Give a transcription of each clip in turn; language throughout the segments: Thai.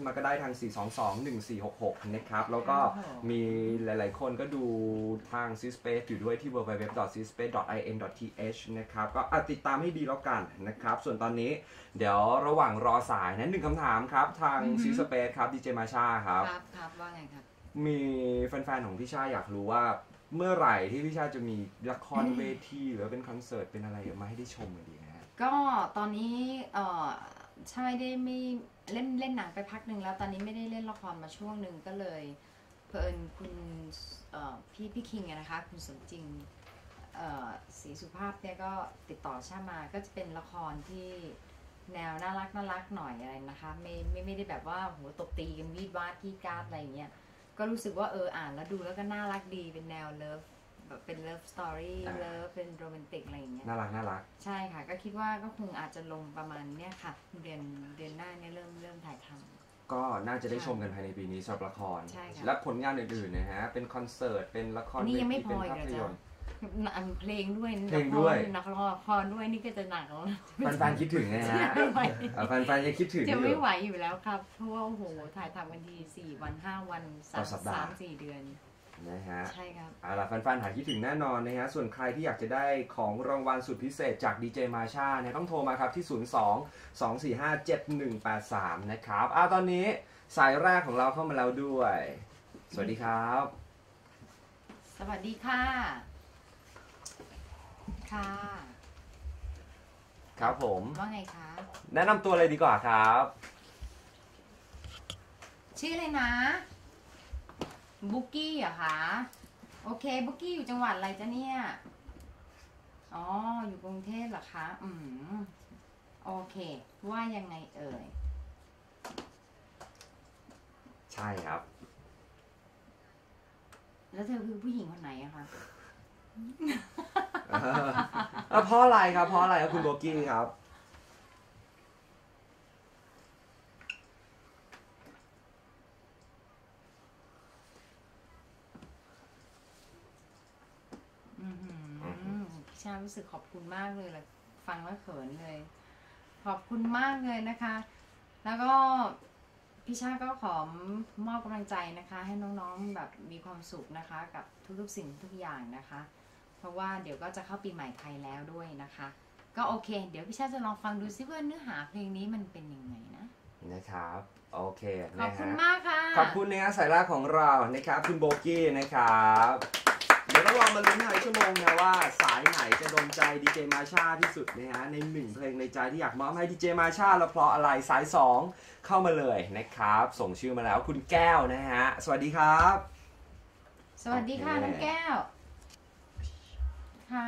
มาก็ได้ทาง4221466นะครับแล้วก็มีหลายๆคนก็ดูทาง C-Space อยู่ด้วยที่ www.cspace.in.th นะครับก็ติดตามให้ดีแล้วกันนะครับส่วนตอนนี้เดี๋ยวระหว่างรอสายนะ1 คำถามครับทาง C-Space ครับดีเจมาชาครับครับว่าไงครับมีแฟนๆของพี่ชาอยากรู้ว่าเมื่อไหร่ที่พี่ชาจะมีละครเวทีหรือเป็นคอนเสิร์ตเป็นอะไรมาให้ได้ชมกันดีนะก็ตอนนี้ใช่ได้ไม่เล่นหนังไปพักหนึ่งแล้วตอนนี้ไม่ได้เล่นละครมาช่วงหนึ่งก็เลยเพลินคุณพี่คิงนะคะคุณสมจริงศรีสุภาพเนี่ยก็ติดต่อชามาก็จะเป็นละครที่แนวน่ารักหน่อยอะไรนะคะไม่ได้แบบว่าโหตบตีกันวีดวาดที่การ์ดอะไรเงี้ยก็รู้สึกว่าอ่านแล้วดูแล้วก็น่ารักดีเป็นแนวเลิฟแบบเป็นเลิฟสตอรี่เลิฟเป็นโรแมนติกอะไรอย่างเงี้ยน่ารักใช่ค่ะก็คิดว่าก็คงอาจจะลงประมาณเนี้ยค่ะเดือนหน้าเนี่ยเริ่มถ่ายทำก็น่าจะได้ชมกันภายในปีนี้สำหรับละครใช่ค่ะและผลงานอื่นๆนะฮะเป็นคอนเสิร์ตเป็นละครนี่ยังไม่พออีกเหรอจ๊ะเพลงด้วยนักละครด้วยนี่ก็จะหนักแล้วแฟนๆคิดถึงนะฮะแฟนๆจะคิดถึงจะไม่ไหวอยู่แล้วครับเพราะว่าโอ้โหถ่ายทำกันที4 วัน5 วัน3-4 เดือนนะฮะใช่ครับเอาล่ะแฟนๆหายคิดถึงแน่นอนนะฮะส่วนใครที่อยากจะได้ของรางวัลสุดพิเศษจากดีเจมาชาเนี่ยต้องโทรมาครับที่02-245-7183นะครับตอนนี้สายแรกของเราเข้ามาแล้วด้วยสวัสดีครับสวัสดีค่ะค่ะครับผมว่าไงคะแนะนำตัวเลยดีกว่าครับชื่ออะไรนะบุ๊กกี้เหรอคะโอเคบุ๊กกี้อยู่จังหวัดอะไรจ๊ะเนี่ยอ๋ออยู่กรุงเทพเหรอคะโอเคว่ายังไงเอ่ยใช่ครับแล้วเธอคือผู้หญิงคนไหนอะคะเพราะอะไรครับเพราะอะไรครับคุณโบกี้ครับพี่ชารู้สึกขอบคุณมากเลยละฟังแล้วเขินเลยขอบคุณมากเลยนะคะแล้วก็พี่ชาก็ขอมอบกำลังใจนะคะให้น้องๆแบบมีความสุขนะคะกับทุกๆสิ่งทุกอย่างนะคะเพราะว่าเดี๋ยวก็จะเข้าปีใหม่ไทยแล้วด้วยนะคะก็โอเคเดี๋ยวพี่ชาจะลองฟังดูซิว่าเนื้อหาเพลงนี้มันเป็นยังไงนะครับโอเคขอบคุณมากค่ะขอบคุณนะฮะสายแรกของเรานะครับคุณโบกี้นะครับเดี๋ยวเราลองมาลุ้นท้ายชั่วโมงนะว่าสายไหนจะโดนใจดีเจมาชาที่สุดนะฮะใน1 เพลงในใจที่อยากมอบให้ดีเจมาชาแล้วเพราะอะไรสาย2เข้ามาเลยนะครับส่งชื่อมาแล้วคุณแก้วนะฮะสวัสดีครับสวัสดีค่ะน้องแก้วค่ะ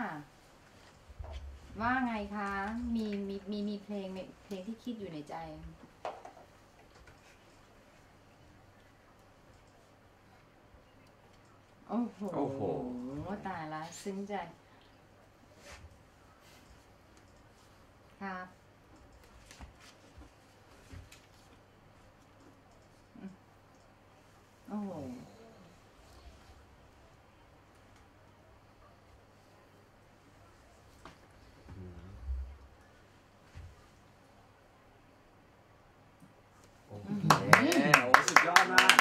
ว่าไงคะมีเพลงที่คิดอยู่ในใจโอ้โหตายละซึ้งใจครับโอ้โหสุดยอดมาก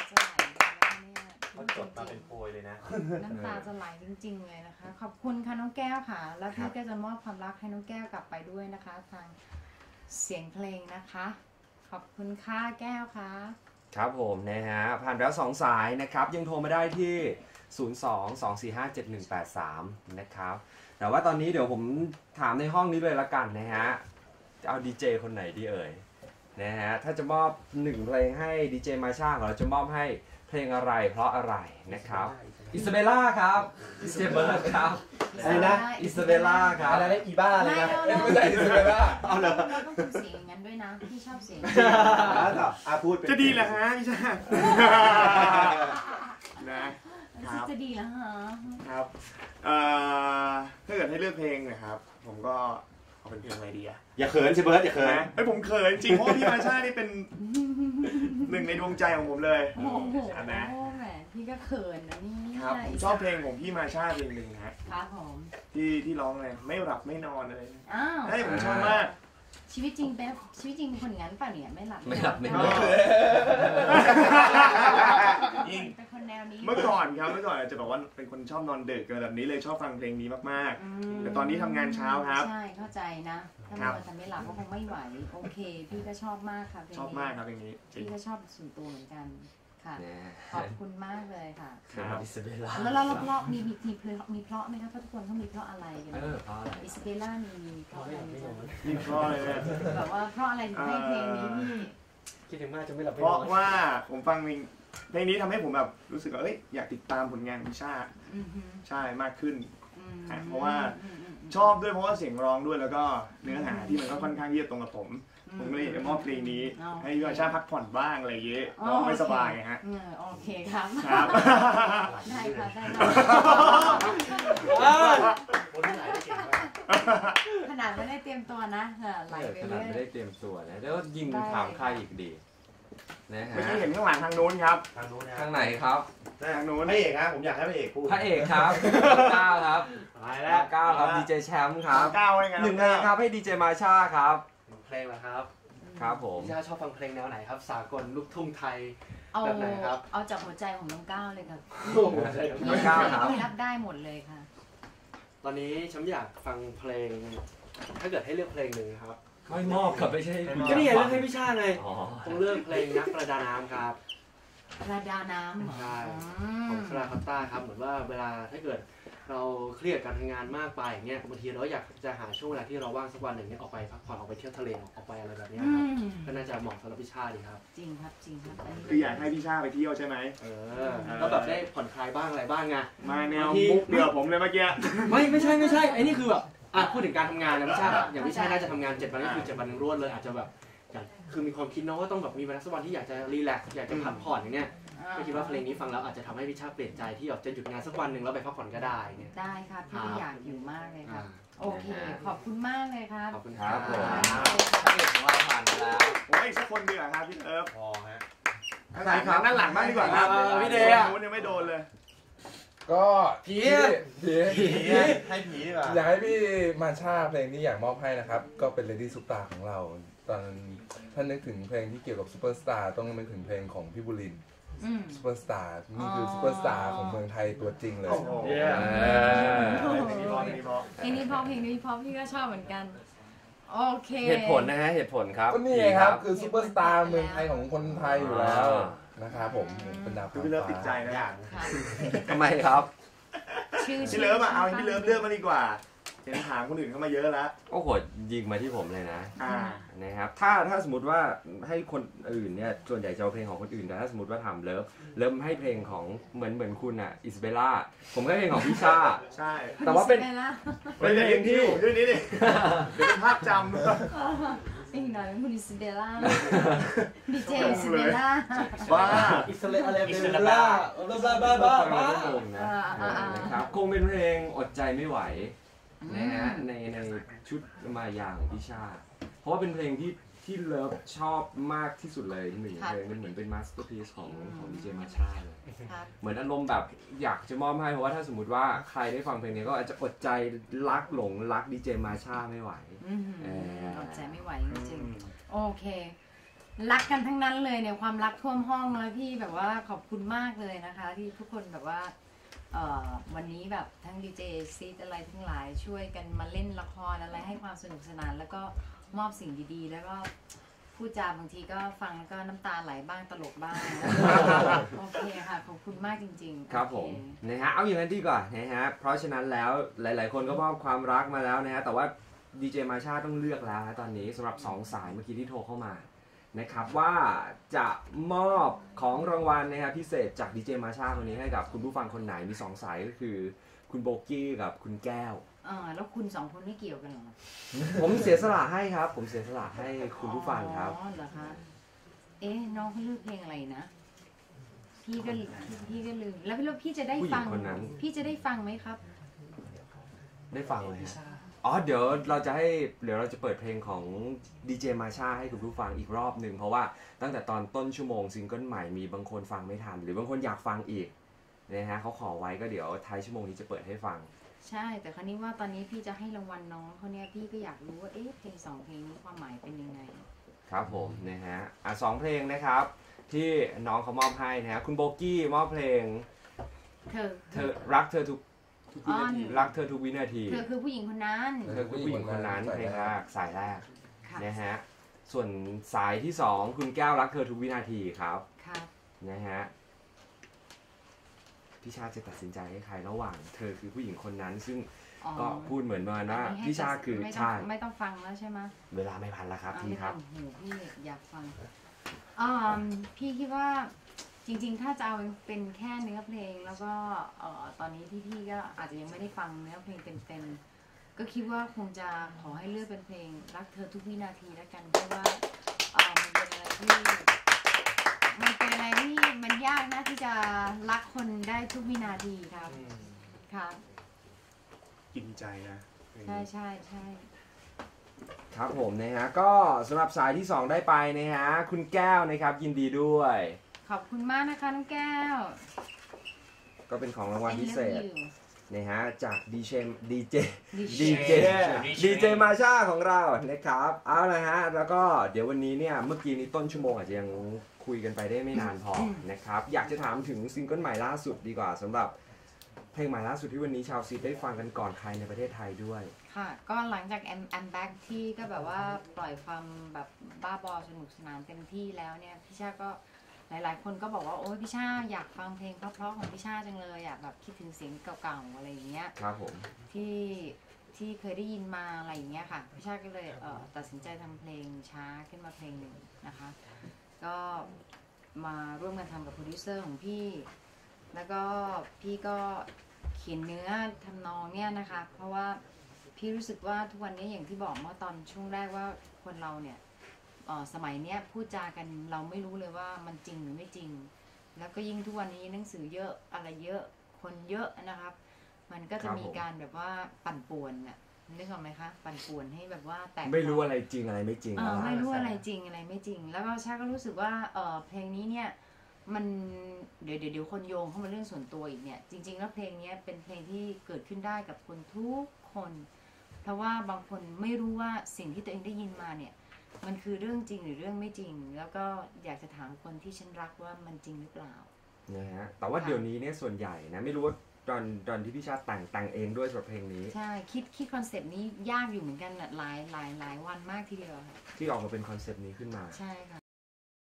เขาจดมาเป็นโพยเลยนะน้ำตาจะไหลจริงๆเลยนะคะขอบคุณค่ะน้องแก้วค่ะแล้วพี่ก็จะมอบความรักให้น้องแก้วกลับไปด้วยนะคะทางเสียงเพลงนะคะขอบคุณค่ะแก้วค่ะครับผมนะฮะผ่านแล้ว2 สายนะครับยังโทรมาได้ที่02-245-7183นะครับแต่ว่าตอนนี้เดี๋ยวผมถามในห้องนี้เลยละกันนะฮะจะเอาดีเจคนไหนดีเอ่ยนะฮะถ้าจะมอบ1 เพลงให้ดีเจมาชาเราจะมอบให้เพลงอะไรเพราะอะไรนะครับอิซาเบล่าครับอิซาเบล่าครับอะไรนะอิซาเบล่าครับอะไรนะอีบ้าอะไรนะไม่ใช่อิซาเบล่าเอาเลยเราต้องทำเสียงอย่างนั้นด้วยนะพี่ชอบเสียงพูดจะดีเหรอฮะพี่ชานะจะดีแล้วฮะครับถ้าเกิดให้เลือกเพลงนะครับผมก็เอาเป็นเพลงอะไรดีอะอย่าเขินสิเบิร์ดอย่าเขินผมเขินจริงเพราะพี่มาชานี่เป็น1 ในดวงใจของผมเลยโอ้โหแหมพี่ก็เขินนะนี่ครับผมชอบเพลงของพี่มาชาเพลงหนึ่งครับผมที่ร้องเลยไม่หลับไม่นอนเลยอ้าวให้ผมชอบมากชีวิตจริงเป็นคนอย่างนั้นป่ะเนี่ยไม่หลับไม่หลับเป็นคนแนวนี้เมื่อก่อนจะบอกว่าเป็นคนชอบนอนดึกแบบนี้เลยชอบฟังเพลงนี้มากๆแต่ตอนนี้ทำงานเช้าครับใช่เข้าใจนะถ้ามันจะไม่หลับก็คงไม่ไหวโอเคพี่ก็ชอบมากค่ะเพลงนี้ชอบมากครับเพลงนี้พี่ก็ชอบส่วนตัวเหมือนกันค่ะขอบคุณมากเลยค่ะครับอิซาเบลล่าแล้วเราเพราะมีเพราะไหมคะเพราะทุกคนเขามีเพราะอะไรกันเพราะอะไรอิซาเบลล่ามีเพราะอะไรมีเพราะอะไรเนี่ยแบบว่าเพราะอะไรถึงให้เพลงนี้พี่คิดถึงมากจะไม่หลับไม่เพนอราะนว่าผมฟังเพลงนี้ทำให้ผมแบบรู้สึกว่าอยากติดตามผลงานพิชาใช่มากขึ้นเพราะว่าชอบด้วยเพราะว่าเสียงร้องด้วยแล้วก็เนื้อหาที่มันก็ค่อนข้างเยียดตรงกับผมก็เลยมอบเพลงนี้ให้พิชาพักผ่อนบ้างอะไรอย่างเงี้ยร้องไม่สบายฮะโอเคครับครับได้ค่ะได้คนที่ไหนได้เก่งมากขนาดไม่ได้เตรียมตัวนะไหลไปขเรื่นาดอยไม่ได้เตรียมตัวนะแล้วยิงถามใครอีกดีนะฮะไม่ใช่เห็นข้างหลังทางนู้นครับทางนู้นนะข้างไหนครับทางนู้นพระเอกนะผมอยากให้พระเอกพูดพระเอกครับก้าวครับตายแล้วก้าวครับดีเจแชมป์ครับก้าวไว้ไงหนึ่งเพลงครับให้ดีเจมาชาครับเพลงเหรอครับครับผมพี่ชาชอบฟังเพลงแนวไหนครับสากลลูกทุ่งไทยเอาแบบไหนครับเอาจากหัวใจของน้องก้าวเลยค่ะโอ้โหใช่ครับพี่รับได้หมดเลยค่ะตอนนี้ฉันอยากฟังเพลง ถ้าเกิดให้เลือกเพลงหนึ่งครับไม่มอบครับไม่ใช่คุณก็นี่ไงเลือกให้พี่ชาไงอ๋อต้องเลือกเพลงนักประดาน้ำครับประดาน้ำเหรอใช่ของสลาคัตตาครับเหมือนว่าเวลาถ้าเกิดเราเครียดการทำงานมากไปอย่างเงี้ยบางทีเราอยากจะหาช่วงเวลาที่เราว่างสักวันหนึ่งเนี่ยออกไปพักผ่อนออกไปเที่ยวทะเลออกไปอะไรแบบเนี้ยครับก็น่าจะเหมาะสำหรับพี่ชาดีครับจริงครับจริงครับคืออยากให้พี่ชาไปเที่ยวใช่ไหมแล้วแบบได้ผ่อนคลายบ้างอะไรบ้างไงมาแนวมุกเบื่อผมเลยเมื่อกี้ไม่ใช่ไอ้นี่คือแบบพูดถึงการทำงานนะพี่ชาอย่างพี่ชาน่าจะทำงาน7 วันก็คือ7 วันรวดเลยอาจจะแบบคือมีความคิดเนาะว่าต้องแบบมีวันสักวันที่อยากจะรีแลกซ์อยากจะพักผ่อนอย่างเงี้ยก็คิดว่าเพลงนี้ฟังแล้วอาจจะทำให้พี่ชาเปลี่ยนใจที่อยากจะหยุดงานสักวันหนึ่งแล้วไปพักผ่อนก็ได้เนี่ยได้ครับพี่อยากอยู่มากเลยครับโอเคขอบคุณมากเลยครับขอบคุณคครัรับบ ผมพระเอกของเราผ่านไปแล้วโอ้ยอีกสักคนดีกว่าครับพี่เอิร์ฟพอฮะข้างหลังครับด้านหลังบ้างดีกว่าครับพี่เดย์อะนู้นยังไม่โดนเลยก็ผีให้ผีดีกว่าอยากให้พี่มาชาเพลงนี้อยากมอบให้นะครับ ก็เป็น Lady Superstar ของเรา ตอนถ้านึกถึงเพลงที่เกี่ยวกับซูเปอร์สตาร์ต้องนึกถึงเพลงของพี่บุรินทร์ซูเปอร์สตาร์นี่คือซูเปอร์สตาร์ของเมืองไทยตัวจริงเลยโอ้โหเพลงนี้เพราะพี่ก็ชอบเหมือนกันโอเคเหตุผลนะฮะเหตุผลครับก็นี่ไงครับคือซูเปอร์สตาร์เมืองไทยของคนไทยอยู่แล้วนะครับผมเป็นดาวคือพี่เลิฟติดใจนะอย่างค่ะทำไมครับพี่เลิฟเอาพี่เลิฟเลือกมาดีกว่าเห็นถามคนอื่นเข้ามาเยอะแล้วโอ้โหยิงมาที่ผมเลยนะ นะครับถ้าสมมติว่าให้คนอื่นเนี่ยส่วนใหญ่จะเอาเพลงของคนอื่นแต่ถ้าสมมติว่าทำเลิฟให้เพลงของเหมือนคุณอ่ะอิสเบลล่าผมให้เพลงของพี่ชาใช่แต่ว่าเป็นอิสเบลล่าเพลงที่ชื่อนี้ดิเป็นภาพจอีกหน่อยเป็นคุณอิสเบลล่าดีเจอิสเบลล่าำว่าอิสราเอลเบลล่าบ้าคงนะนะครับคงเป็นเพลงอดใจไม่ไหวนะฮะในชุดมายาของพี่ชาเพราะว่าเป็นเพลงที่เลิฟชอบมากที่สุดเลยหนึ่งเพลงมันเหมือนเป็นมาสเตอร์พีซของดีเจมาชาเลยเหมือนอารมณ์แบบอยากจะมอบให้เพราะว่าถ้าสมมติว่าใครได้ฟังเพลงนี้ก็อาจจะอดใจหลงรักดีเจมาชาไม่ไหวอดใจไม่ไหวจริงๆโอเครักกันทั้งนั้นเลยเนี่ยความรักท่วมห้องเลยพี่แบบว่าขอบคุณมากเลยนะคะที่ทุกคนแบบว่าวันนี้แบบทั้งดีเจซีดอะไรทั้งหลายช่วยกันมาเล่นละครอะไรให้ความสนุกสนานแล้วก็มอบสิ่งดีๆแล้วก็พูดจาบางทีก็ฟังก็น้ำตาไหลบ้างตลกบ้างโอเคค่ะขอบคุณมากจริงๆครับผมนะฮะเอาอย่างนั้นดีกว่านะฮะเพราะฉะนั้นแล้วหลายๆคนก็มอบความรักมาแล้วนะฮะแต่ว่าดีเจมาชาต้องเลือกแล้วตอนนี้สำหรับ2 สายเมื่อกี้ที่โทรเข้ามานะครับว่าจะมอบของรางวัลนะครับพิเศษจากดีเจมาชาคนนี้ให้กับคุณผู้ฟังคนไหนมี2 สายก็คือคุณโบกี้กับคุณแก้วแล้วคุณ2 คนไม่เกี่ยวกันหรอผมเสียสละให้ครับผมเสียสละให้คุณผู้ฟังครับอ๋อเหรอคะน้องเขาเลือกเพลงอะไรนะพี่ก็ลืมแล้วพี่จะได้ฟังพี่จะได้ฟังไหมครับได้ฟังเลยอ๋อเดี๋ยวเราจะเปิดเพลงของดีเจมาชาให้คุณผู้ฟังอีกรอบหนึ่งเพราะว่าตั้งแต่ตอนต้นชั่วโมงซิงเกิลใหม่มีบางคนฟังไม่ทันหรือบางคนอยากฟังอีกนะฮะเขาขอไว้ก็เดี๋ยวท้ายชั่วโมงนี้จะเปิดให้ฟังใช่แต่คราวนี้ว่าตอนนี้พี่จะให้รางวัลน้องเขาเนี่ยพี่ก็อยากรู้ว่าเอ๊ะเพลงสองเพลงนี้ความหมายเป็นยังไงครับผมนะฮะสองเพลงนะครับที่น้องเขามอบให้นะฮะคุณโบกี้มอบเพลง เธอรักเธอทุกอ๋อรักเธอทุกวินาทีเธอคือผู้หญิงคนนั้นเธอคือผู้หญิงคนนั้นเพลงแรกสายแรกค่ะนะฮะส่วนสายที่สองคุณแก้วรักเธอทุกวินาทีครับครับนะฮะพี่ชาจะตัดสินใจให้ใครระหว่างเธอคือผู้หญิงคนนั้น ซึ่งอ๋อก็พูดเหมือนประมาณว่าอันนี้ให้พี่ชาคือไม่ต้ใช่องไม่ต้องฟังแล้วใช่ไหมเวลาไม่พันแล้วครับอ่าพี่ไม่คต้รัอบ งหูพี่อยากฟังพี่คิดว่าจริงๆ ถ้าจะเอาเป็นแค่เนื้อเพลงแล้วก็ตอนนี้พี่ก็อาจจะยังไม่ได้ฟังเนื้อเพลงเต็มๆก็คิดว่าคงจะขอให้เลือกเป็นเพลงรักเธอทุกวินาทีแล้วกันเพราะว่ามันเป็นอะไรที่มันยากนะที่จะรักคนได้ทุกวินาทีครับครับกินใจนะใช่ใช่ใช่ครับผมนะฮะก็สำหรับสายที่ 2 ได้ไปนะฮะคุณแก้วนะครับยินดีด้วยขอบคุณมากนะคะน้องแก้วก็เป็นของรางวัล I พิเศ love ษ you นะฮะจากดีเจ DJ ดีเจมาชาของเรานะครับเอาละฮะแล้วก็เดี๋ยววันนี้เนี่ยเมื่อกี้นี้ต้นชั่วโมงอาจจะยังคุยกันไปได้ไม่นานพอนะครับอยากจะถามถึงซิงเกิลใหม่ล่าสุดดีกว่าสำหรับเพลงใหม่ล่าสุดที่วันนี้ชาวซีได้ฟังกันก่อนใครในประเทศไทยด้วยค่ะ ก็หลังจาก I'm Back ที่ก็แบบว่าปล่อยความแบบบ้าบอสนุกสนานเต็มที่แล้วเนี่ยพี่ชาก็หลายๆ คนก็บอกว่าโอ๊ยพี่ชาอยากฟังเพลงเพราะๆของพี่ชาจังเลยอยากแบบคิดถึงเสียงเก่าๆอะไรอย่างเงี้ยครับผมที่เคยได้ยินมาอะไรอย่างเงี้ยค่ะพี่ชาก็เลยตัดสินใจทำเพลงช้าขึ้นมาเพลงหนึ่งนะคะ ก็มาร่วมกันทำกับโปรดิวเซอร์ของพี่ แล้วก็พี่ก็เขียนเนื้อทำนองเนี่ยนะคะ เพราะว่าพี่รู้สึกว่าทุกวันนี้อย่างที่บอกเมื่อตอนช่วงแรกว่าคนเราเนี่ยสมัยเนี้ยพูดจากันเราไม่รู้เลยว่ามันจริงหรือไม่จริง แล้วก็ยิ่งทุกวันนี้หนังสือเยอะอะไรเยอะคนเยอะนะครับ มันก็จะมีการแบบว่าปั่นป่วนน่ะนึกออกไหมคะปั่นป่วนให้แบบว่าแตกไม่รู้อะไรจริงอะไรไม่จริงไม่รู้อะไรจริงอะไรไม่จริง แล้วก็ชาก็รู้สึกว่าเพลงนี้เนี่ยมันเดี๋ยวคนโยงเข้ามาเรื่องส่วนตัวอีกเนี่ยจริงๆแล้วเพลงนี้เป็นเพลงที่เกิดขึ้นได้กับคนทุกคน เพราะว่าบางคนไม่รู้ว่าสิ่งที่ตัวเองได้ยินมาเนี่ยมันคือเรื่องจริงหรือเรื่องไม่จริง แล้วก็อยากจะถามคนที่ฉันรักว่ามันจริงหรือเปล่านะฮะแต่ว่าเดี๋ยวนี้เนี่ยส่วนใหญ่นะไม่รู้ว่าตอนที่พี่ชาแต่งเองด้วยสำหรับเพลงนี้ใช่คิดคอนเซปต์นี้ยากอยู่เหมือนกันหลายวันมากทีเดียวค่ะที่ออกมาเป็นคอนเซปต์นี้ขึ้นมาใช่ค่ะ